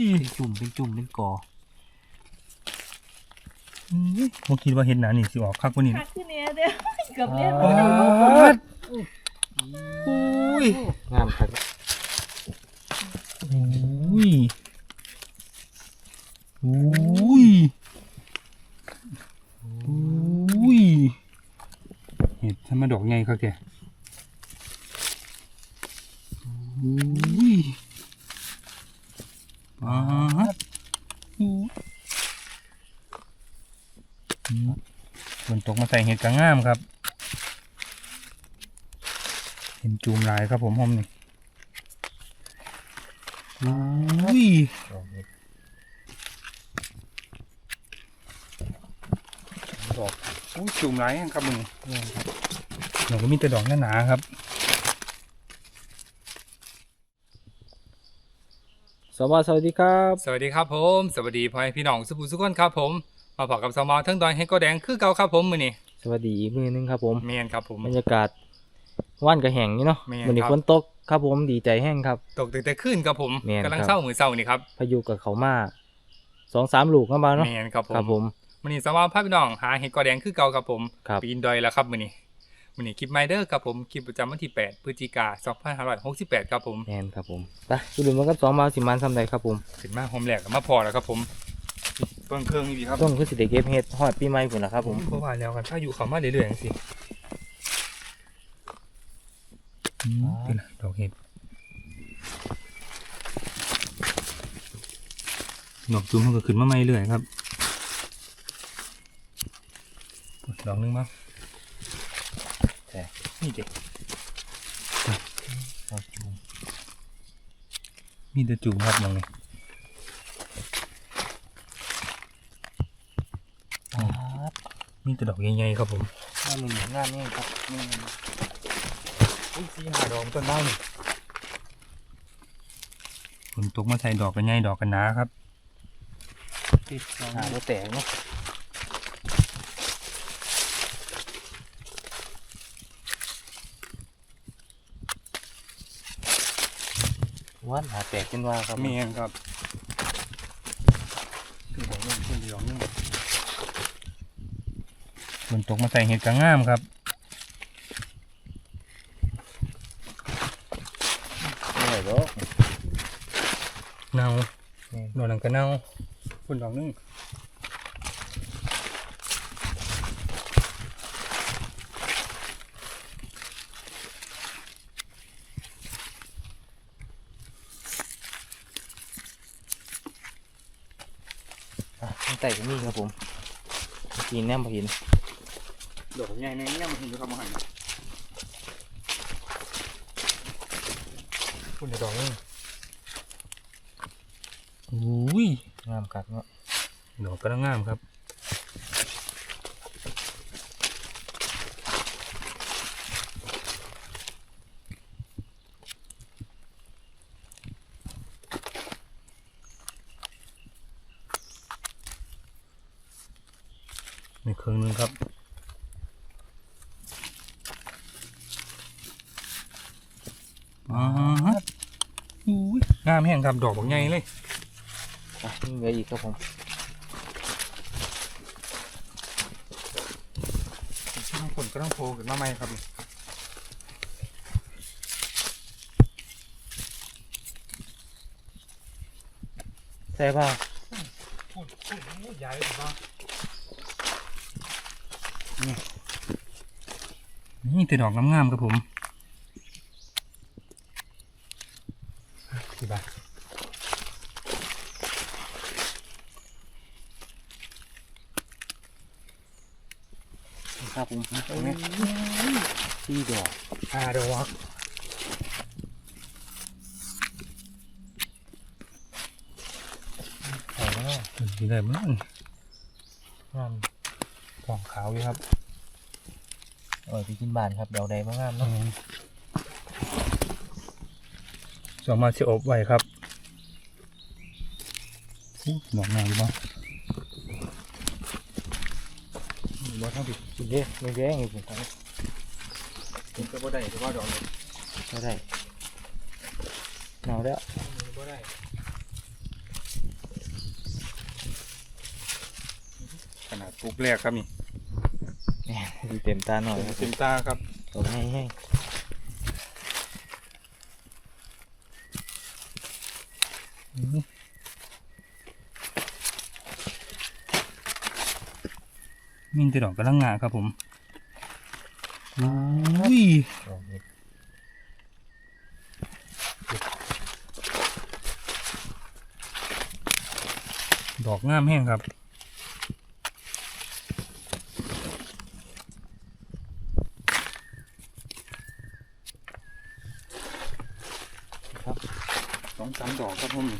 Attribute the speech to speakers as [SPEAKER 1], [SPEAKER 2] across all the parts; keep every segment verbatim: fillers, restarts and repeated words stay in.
[SPEAKER 1] เป็นจุ่มเป็นจุ่มเป็นกอผมคิดว่าเห็นหนานี่สิออกคักกว่านี้
[SPEAKER 2] คักขึ้นเนี่ยเด้อกับเล่น
[SPEAKER 1] อุ้ย
[SPEAKER 3] งามครับ
[SPEAKER 1] อุ้ยอุ้ยอุ้ยเห็ดทำมาดอกไงครับแกอุ้ยอ่าฝนตกมาใส่เห็ดกระง่ามครับเห็นจูมลายครับผมหอมนี่อุ้ยดอกอุ้ยจูมลายครับมึงเดี๋ยวก็มีแต่ดอกหนาๆครับ
[SPEAKER 3] สวัสดีครับ
[SPEAKER 1] สวัสดีครับผมสวัสดีพ่อแม่พี่น้องสุภูสุขคนครับผมมาพบกับสมอทั้งดอยให้ก็แดงคือเก่าครับผมมื้อนี้
[SPEAKER 3] สวัสดีอีกมือนึงครับผม
[SPEAKER 1] เมียนครับผม
[SPEAKER 3] บรรยากาศว่านกระแหงนี่เนาะ
[SPEAKER 1] แม่น
[SPEAKER 3] วันนี้
[SPEAKER 1] ครับ
[SPEAKER 3] ฝนตกครับผมดีใจแห้งครับ
[SPEAKER 1] ตกตึกแต่ขึ้นครับผม
[SPEAKER 3] แม่น
[SPEAKER 1] กำลัง
[SPEAKER 3] ครับ
[SPEAKER 1] เศร้ามือเศร้านี่ครับ
[SPEAKER 3] พายุกับเขามาสองสามลูกเข้ามาเนาะ
[SPEAKER 1] เมียนครับผม
[SPEAKER 3] ครับผม
[SPEAKER 1] มื้อนี้สมอพาพี่น้องหาเห็ดก็แดงคือเก่าครับผม
[SPEAKER 3] ครับ
[SPEAKER 1] ปีนดอยแล้วครับมื้อนี้มื้อนี้คลิปไมเดอร์ครับผมคลิปประจำวันที่แปดพฤศจิกายนสองพันห้าร้อยหกสิบแปดครับผม
[SPEAKER 3] แมนครับผมไปดูดูมันกับสองมาสิมันทำไรครับผม
[SPEAKER 1] ขึ้นมาโฮมแลกมาพอแล้วครับผมเบิ่งเครื่องนี่ดีครับ
[SPEAKER 3] ต้องคือสิเดเก็บเฮ็ดฮอดปีใหม่พุ่นล่ะครับผม
[SPEAKER 1] เพราะว่าแล้วกันถ้าอยู่เขามาเรื่อยๆจังซี่อืมเป็นไรดอกเห็ดดอกจุ้มมันก็ขึ้นมาใหม่เรื่อยครับดอกนึงมั้งนี่เด็กมีแต่จุ่มครับมองนี่มีแต่ดอกใหญ่ๆครับผม
[SPEAKER 3] งานนี้งานนี้ครับนี่
[SPEAKER 1] อุ้ยสีหาดอกต้นได้ฝนตกมาใส่ดอกกันใหญ่ดอกกันหนาครับติด
[SPEAKER 3] หาบ่แตกเนาะว่านหาแตกเป็นว่าครับ
[SPEAKER 1] เมียนครับขึ้นดอกนึงขึ้นดอกนึงฝนตกมาใส่เห็ดกระง่ามครับ
[SPEAKER 3] ไม่ไหวหรอก
[SPEAKER 1] เน่า
[SPEAKER 3] นี่
[SPEAKER 1] ดอกนั้นก็เน่าฝนดอกนึง
[SPEAKER 3] อ่ะตั้งแต่ก็มีครับผมกินแนมพอเห็น
[SPEAKER 1] ดอกใหญ่ในนี้มันเห็นอยู่ครับมหันฝนดอกนึงอุ้ย
[SPEAKER 3] งามกัดเนาะ
[SPEAKER 1] ดอกกระง่ามครับในเครื่องนึงครับอ๋ออุ้ยงามแห้งครับดอกบางใหญ่เลย
[SPEAKER 3] อ่ะนี่เหลืออีกครับผม
[SPEAKER 1] ฝนก็ต้องโผล่ขึ้นมาใหม่ครับ
[SPEAKER 3] ใส่ผ้า
[SPEAKER 1] ฝนฝนใหญ่เลยครับนี่นี่แต่ดอกงามๆครับผมกี่บาท
[SPEAKER 3] ครับผมสี่ดอก
[SPEAKER 1] ห้าดอก
[SPEAKER 3] ใส่แล้ว
[SPEAKER 1] ดีเลยมั้ง
[SPEAKER 3] งาม
[SPEAKER 1] ทองขาวอยู่ครับ
[SPEAKER 3] เออไปกินบ้านครับเดาใดมางามเนาะ
[SPEAKER 1] สามารถจะอบไว้ครับอู้ดอกงามอยู่บ้างบ้าทั้งผิด
[SPEAKER 3] กินเด้ไม่แย่งอีกผมครับ
[SPEAKER 1] ผมก็บ่ได้แต่ว่าดอกนี้
[SPEAKER 3] ไม่ได้หนาวแล้ว
[SPEAKER 1] บ่ได้ขนาดปุ๊บแรกครับนี่
[SPEAKER 3] แม่ดูเต็มตาหน่อยครับผ
[SPEAKER 1] เต็
[SPEAKER 3] ม
[SPEAKER 1] มตาครับ
[SPEAKER 3] ตรงให้ให้
[SPEAKER 1] มีแต่ดอกกระลังงาครับผมอุ้ย
[SPEAKER 3] ดอกนี้
[SPEAKER 1] ดอกงามแห้งครับครับสองสามดอกครับผม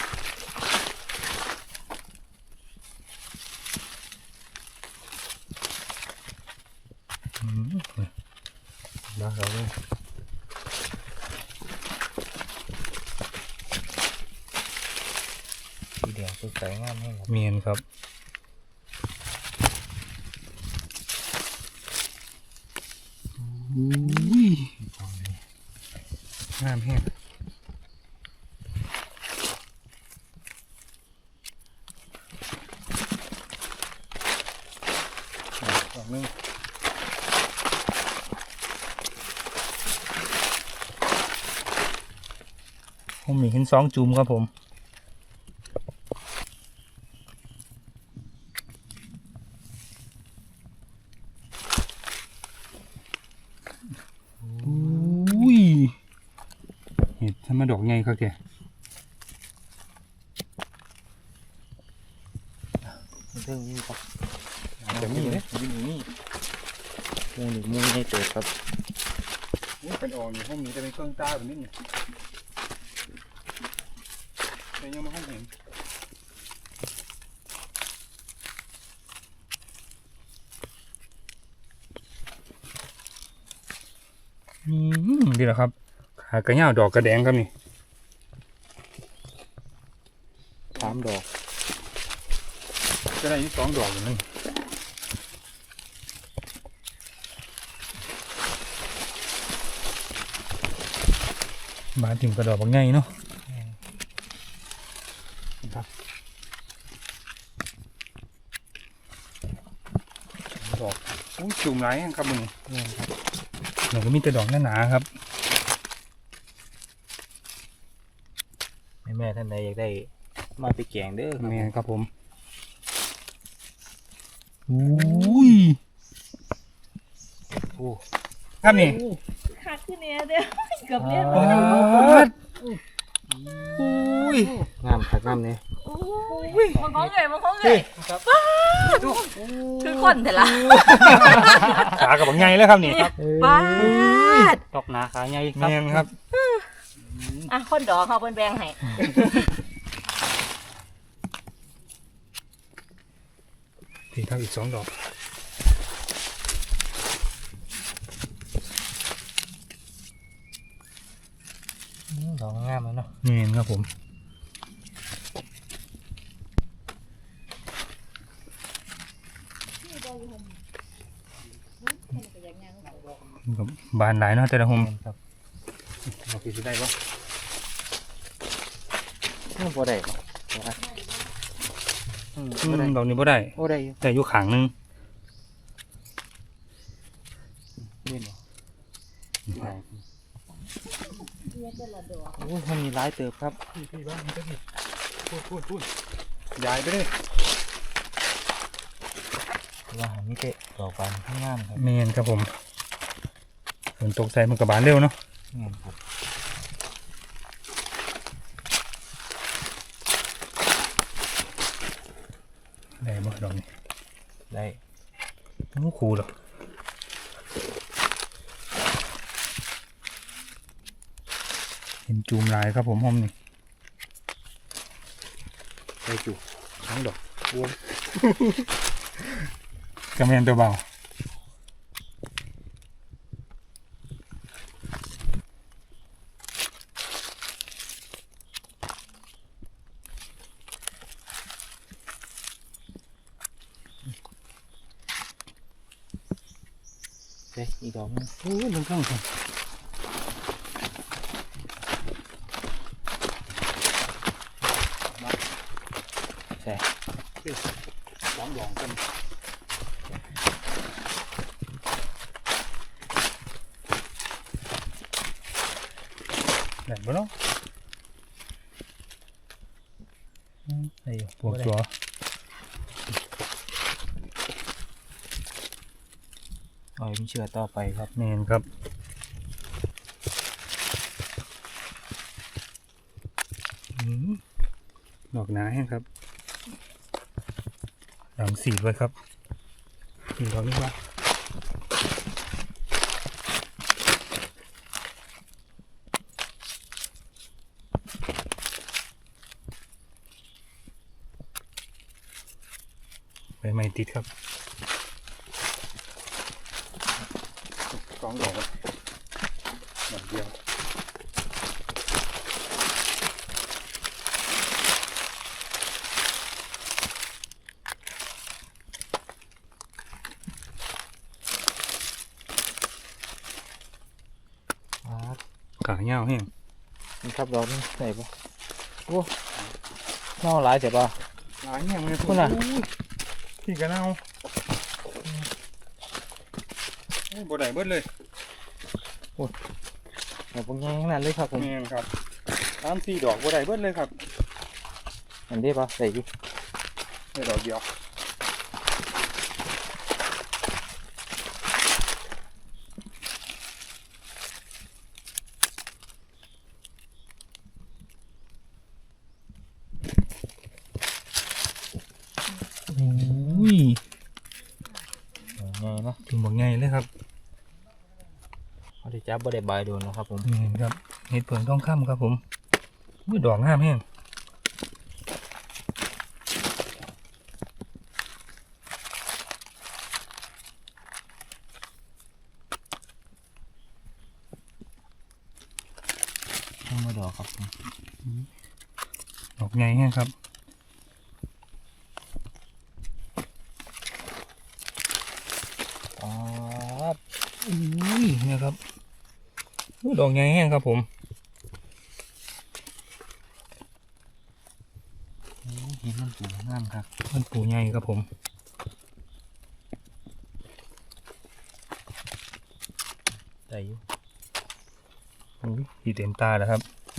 [SPEAKER 1] อืมมาเราเลย
[SPEAKER 3] สีแดงสดใสงามแห้งครับ
[SPEAKER 1] เมียนครับอุ้ยงามแห้งดอกนึงผมมีเห็นสองจุ่มครับผมอุ้ยเห็ดทำมาดอกไงครับแก
[SPEAKER 3] เรื่องนี้ครับ
[SPEAKER 1] จะมีเลยมีนี่
[SPEAKER 3] มูหนึ่งมูให้เจอครับ
[SPEAKER 1] นี่เป็นออกอยู่ห้องนี้จะเป็นเครื่องตาแบบนี้นี่แต่ยังไม่ห้องเห็นอืมดีแล้วครับขากระเหย้าดอกกระแดงครับนี่
[SPEAKER 3] สามดอก
[SPEAKER 1] ก็ได้สองดอกอยู่นั่นบานถิ่มกระดอกบางไงเนาะครับดอกอุ้ยจุ่มไหลายครับมึง
[SPEAKER 3] นี่ครับ
[SPEAKER 1] หนูก็มีแต่ดอกหนาๆครับ
[SPEAKER 3] แม่แม่ท่านใดอยากได้มาไปแกงเด้อครับ
[SPEAKER 1] แม่ครับผมอุ้ย
[SPEAKER 3] โอ้
[SPEAKER 1] ครับนี่
[SPEAKER 2] คักขึ้นเนี่ยเด้อเกือบเล่น
[SPEAKER 1] ปาดอุ้ย
[SPEAKER 3] งามครับงามเนี่ย
[SPEAKER 2] โอ้ยมันของเลยมันของเลยป้าดคือคนแต่ละ
[SPEAKER 1] ขากับบางไงแล้วครับนี่
[SPEAKER 2] ป้าด
[SPEAKER 3] ดอกหนาขาใหญ่ครับ
[SPEAKER 1] แม่นครับ
[SPEAKER 2] อ่ะคนดอกเขาเป็นแบงให้
[SPEAKER 1] พี่ครับอีกสองดอก
[SPEAKER 3] อืมดอกงามเลยเนาะ
[SPEAKER 1] แม่นครับผมกับบานหลายเนาะแต่ละหม
[SPEAKER 3] ครับ
[SPEAKER 1] ดอกที่สิได้ปะ
[SPEAKER 3] นี่บ่ได้ครับบ่ได้อืม
[SPEAKER 1] อื
[SPEAKER 3] บ่ได้
[SPEAKER 1] มดอกนี้บ่ได้
[SPEAKER 3] บ่ได้อยู่
[SPEAKER 1] แต่อยู่ขางหนึง
[SPEAKER 3] นี่เนาะ
[SPEAKER 2] เนี่ยแต่ละดอก
[SPEAKER 3] โอ้ยมันมีหลายเติบครับ
[SPEAKER 1] พี่พี่บ้านมันก็พี่พูดพูดพูดย้ายไปเลย
[SPEAKER 3] ว่าหามีเตะดอกบานข้างงามครับ
[SPEAKER 1] แม่นครับผมฝนตกใส่มันกับบานเร็วเนาะ
[SPEAKER 3] งามครับ
[SPEAKER 1] ได้บ่ดอกนี้
[SPEAKER 3] ได้
[SPEAKER 1] โอ้คูหรอกเห็นจูมลายครับผมห้อมนี่
[SPEAKER 3] ได้จุทั้งดอกรวม
[SPEAKER 1] กระแมนตัวเบา
[SPEAKER 3] เด้อีกดอกหนึง
[SPEAKER 1] โอ้ยลงข้างครับ
[SPEAKER 3] ใช่
[SPEAKER 1] ดองดอกกันไหนบ้างเนาะไอ้ปวดตัว
[SPEAKER 3] อ๋อยมีเชื่อต่อไปครับ
[SPEAKER 1] เมนครับอืมดอกหนาแห้งครับหลังสีดไว้ครับสีดอกนี้ว่าใบไม้ติดครับสองดอกครับดอกเดียวขาเหี่ยวแห้ง
[SPEAKER 3] นี่ครับดอกนี้ไหนปะโอ้เน่าหลายเจ็บป่ะ
[SPEAKER 1] หลายแห้งเลย
[SPEAKER 3] คุณน่ะ
[SPEAKER 1] พี่กระเน่าบ่ได้เบิดเลย
[SPEAKER 3] ดอกพวกนี้ขนาดเลยครับผม
[SPEAKER 1] แม่นครับสามสี่ดอกบ่ได้เบิดเลยครับ
[SPEAKER 3] อันนี้ปะใส่ดิ
[SPEAKER 1] ได้ดอกเดียว อุ้ย
[SPEAKER 3] ไงนะ
[SPEAKER 1] ถึงบอกไงเลยครับ
[SPEAKER 3] เขาได้จับบ่ได้บายโดนนะครับผม
[SPEAKER 1] นี่ครับเห็ดเผือกทองคำครับผมอุ้ยดอกงามแห้ง
[SPEAKER 3] ต้องมาดอกครับผม
[SPEAKER 1] ดอกไงแห้งครับ
[SPEAKER 3] อ๋อ
[SPEAKER 1] อุ้ยเนี่ยครับอุ้ยดอกไงแห้งครับผม
[SPEAKER 3] เห็นมันปูงามครับ
[SPEAKER 1] มันปูใหญ่ครับผม
[SPEAKER 3] ได้อยู่
[SPEAKER 1] อุ้ยสีเต็มตาแล้วครับ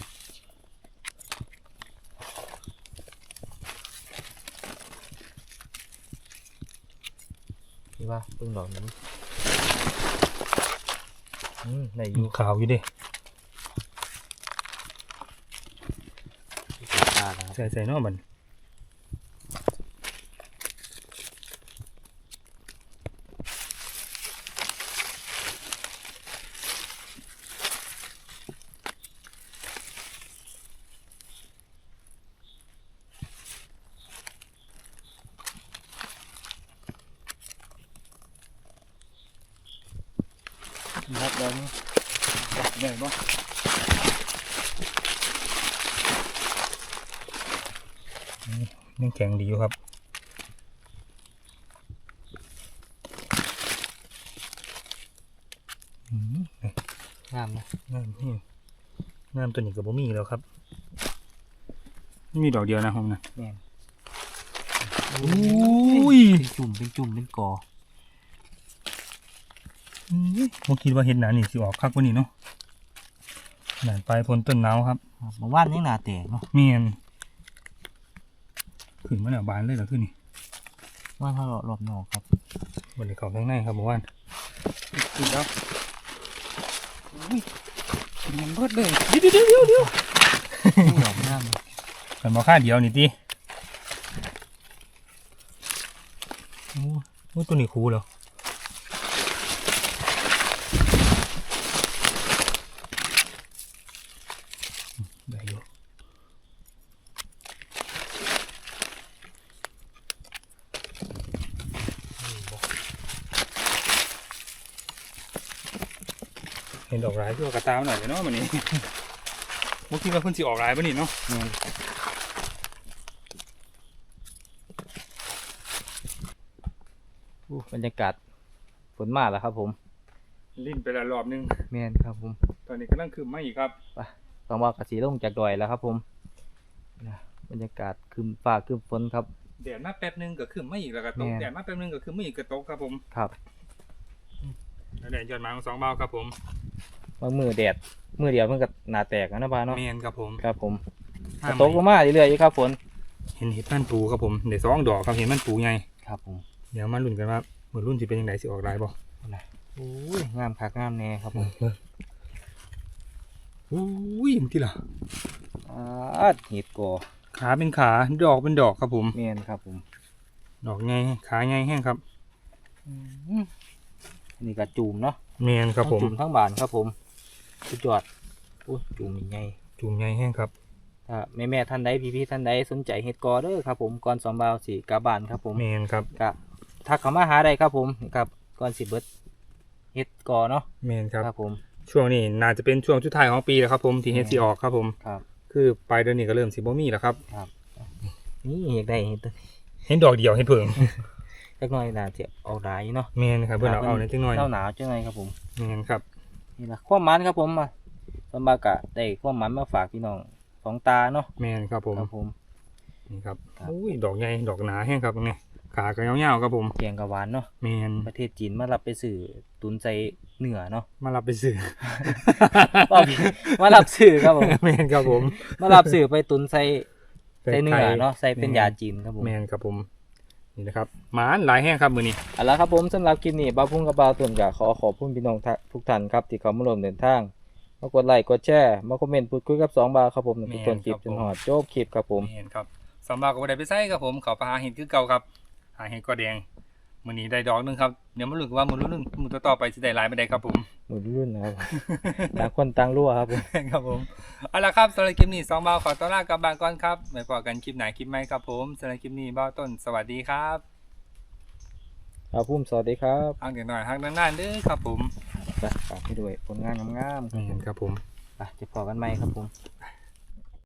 [SPEAKER 3] ที่ว่าเพิ่งดอกนี้อืมได้อ
[SPEAKER 1] อยู่
[SPEAKER 3] ยู่
[SPEAKER 1] ขาวอยู่ดิ
[SPEAKER 3] ตาแล้วครับ
[SPEAKER 1] ใส่ใส่นอกมันครับดอกนี้ใหญ่ปะยังแข็งดีอยู่ครับอืม
[SPEAKER 3] งามนะ
[SPEAKER 1] งามนี่งามตัวนี้กับบ่มีแล้วครับมีดอกเดียวนะผมนะ
[SPEAKER 3] แม่น
[SPEAKER 1] อุ้ย
[SPEAKER 3] เป็นจุ่มเป็นจุ่มเป็นกอ
[SPEAKER 1] ผมคิดว่าเห็ดหนานี่สิออกคักกว่านี้เนาะหนานปลายพ้นต้นหนาวครับ
[SPEAKER 3] เมื่อวานยังหนาแตกเนาะ
[SPEAKER 1] เมียนขึ้นมาแล้วบานเลยเหรอขึ้นนี่
[SPEAKER 3] ว่านเขาหลอบนอกครับ
[SPEAKER 1] บนในเขาข้างในครับบอกว่าขึ้นแล้วอุ้ยมันเบิดเลยเดี๋ยวเดี๋ยวเดี๋ยวเดี๋ยว
[SPEAKER 3] ดอกงามเลย
[SPEAKER 1] กันมาค่าเดียวนี่ตีโอ้โหตัวนี้คูลเหรอได้อยู่เห็นดอกร้ายที่ว่ากระตามหน่อยเนาะมันนี่ เมื่อกี้ว่าเพิ่นสิออกร้ายป่ะนี่เนาะ
[SPEAKER 3] อู้บรรยากาศฝนมาแล้วครับผม
[SPEAKER 1] ลิ้นไปละรอบนึง
[SPEAKER 3] แม่นครับผม
[SPEAKER 1] ตอนนี้กำลังคืมมาอีกครับ
[SPEAKER 3] ฟังว่ากระสีลงจากดอยแล้วครับผมนะบรรยากาศคืมฟ้าคืมฝนครับ
[SPEAKER 1] แดดมาแป๊บนึงก็ขึ้นมาอีกแล้วก็ตก
[SPEAKER 3] แม่น
[SPEAKER 1] แดดมาแป๊บนึงก็ขึ้นมาอีกก็ตกครับผม
[SPEAKER 3] ครับ
[SPEAKER 1] แล้วแดดยอดไม้ของสองเบาครับผม
[SPEAKER 3] บางมือแดดมือเดียวมันก็หนาแตกนะบ้านเนาะ
[SPEAKER 1] เมนครับผม
[SPEAKER 3] ครับผม
[SPEAKER 1] ห้า
[SPEAKER 3] ตกลงมาเรื่อยๆอยู่ครับฝน
[SPEAKER 1] เห็นเห็ดมันปูครับผมเดี๋ยวสองดอกครับเห็นมันปูไง
[SPEAKER 3] ครับผม
[SPEAKER 1] เดี๋ยวมาลุ้นกันว่าเหมือนรุ่นที่เป็นยังไงสิออกลายบ่
[SPEAKER 3] โอ้ยงามคักงามแน่ครับผม
[SPEAKER 1] อุ้ยมันที่ล่ะ
[SPEAKER 3] อาดเห็ดกอ
[SPEAKER 1] ขาเป็นขาดอกเป็นดอกครับผม
[SPEAKER 3] เมียนครับผม
[SPEAKER 1] ดอกไงขาไงแห้งครับ
[SPEAKER 3] อืมนี่ก็จูมเนาะ
[SPEAKER 1] เมนครับผม
[SPEAKER 3] ทั้งจูมทั้งบานครับผมสุดยอดอุ้ยจูมนี่ไง
[SPEAKER 1] จุ่มไงแห้งครับ
[SPEAKER 3] ถ้าแม่แม่ๆท่านใดพี่พี่ๆท่านใดสนใจเห็ดกอเด้อครับผมก่อนสองบาวสีกาบานครับผม
[SPEAKER 1] เมนครับ
[SPEAKER 3] ก็ถ้าเขามาหาได้ครับผมนี่ครับก่อนสิเบิดเห็ดกอเนาะ
[SPEAKER 1] เมนครับ
[SPEAKER 3] ครับผม
[SPEAKER 1] ช่วงนี้น่าจะเป็นช่วงสุดท้ายของปีแล้วครับผมที่เฮ็ดสิออกครับผม
[SPEAKER 3] ครับ
[SPEAKER 1] คือปลายเดือนนี้ก็เริ่มสิบ่มีแล้วครับ
[SPEAKER 3] ครับนี่เห็ดได้เห็ดตัว
[SPEAKER 1] เห็นดอกเดียวเห็นเพิ่ง
[SPEAKER 3] จักหน่อยน่าจะเอาได้เนาะ
[SPEAKER 1] เมนครับเพื่อนเอาเอาในอยจังหน่อย
[SPEAKER 3] หนาวหนาวจังไงครับผม
[SPEAKER 1] เมนครับ
[SPEAKER 3] นี่ละความหมันครับผมมาสมบากะได้ความหมันมาฝากพี่น้องสองตาเนาะ
[SPEAKER 1] เมนครับผม
[SPEAKER 3] ครับผม
[SPEAKER 1] นี่ครับ
[SPEAKER 3] ครับ
[SPEAKER 1] อุ้ยดอกใหญ่ดอกหนาแห้งครับนี่ขาก็ยาวๆครับผม
[SPEAKER 3] แกงกะหวานเนาะ
[SPEAKER 1] เมน
[SPEAKER 3] ประเทศจีนมารับไปสื่อตุนใจเหนือเนาะ
[SPEAKER 1] มารับไปซื้อ
[SPEAKER 3] บ่ผิดมารับสื่อครับผม
[SPEAKER 1] เมนครับผม
[SPEAKER 3] มารับสื่อไปตุนใส่ใส่เนื้อเนาะใส่เป็นยาจีนครับผม
[SPEAKER 1] เมนครับผมนี่นะครับหมาหลายแห้งครับมือนี้
[SPEAKER 3] เอาละครับผมสำหรับคลิปนี้บ้าวพุ่งกับบ้าวตุนกะขอขอบคุณพี่น้องทุกท่านครับที่เขามาร่วมเดินทางมากดไลค์กดแชร์มาคอมเมนต์พูดคุยกับสองบาวครับผมในทุกต้นคลิปจนหอดจบคลิปครับผม
[SPEAKER 1] เมนครับสำหรับกับได้ไปใส่ครับผมเขาไปหาเห็ดคือเก่าครับหาเห็ดกอแดงมือนี้ได้ดอกหนึงครับเดี๋ยวมาลุ้นกันว่ามือรุ่นมือต่อๆไปจะได้หลายไม่ได้ครับผม
[SPEAKER 3] หมุนรุ่นนะครับ ต่างคนต่างรั่วครับผม
[SPEAKER 1] ครับผมเอาละครับสำหรับคลิปนี้สองบ่าวขอต้อนรับกลับบางก่อนครับไว้พอกันคลิปไหนคลิปไหมครับผมสำหรับคลิปนี้บ่าวต้นสวัสดีครับ
[SPEAKER 3] ครับพุ่มสวัสดีครับ
[SPEAKER 1] ฮักเดี๋ยวหน่อยฮักนานๆเด้อครับผม
[SPEAKER 3] ไปฝากให้ด้วยผลงานงามๆครับผม
[SPEAKER 1] ครับผม
[SPEAKER 3] ไปจะพอกันไหมครับผม
[SPEAKER 1] ค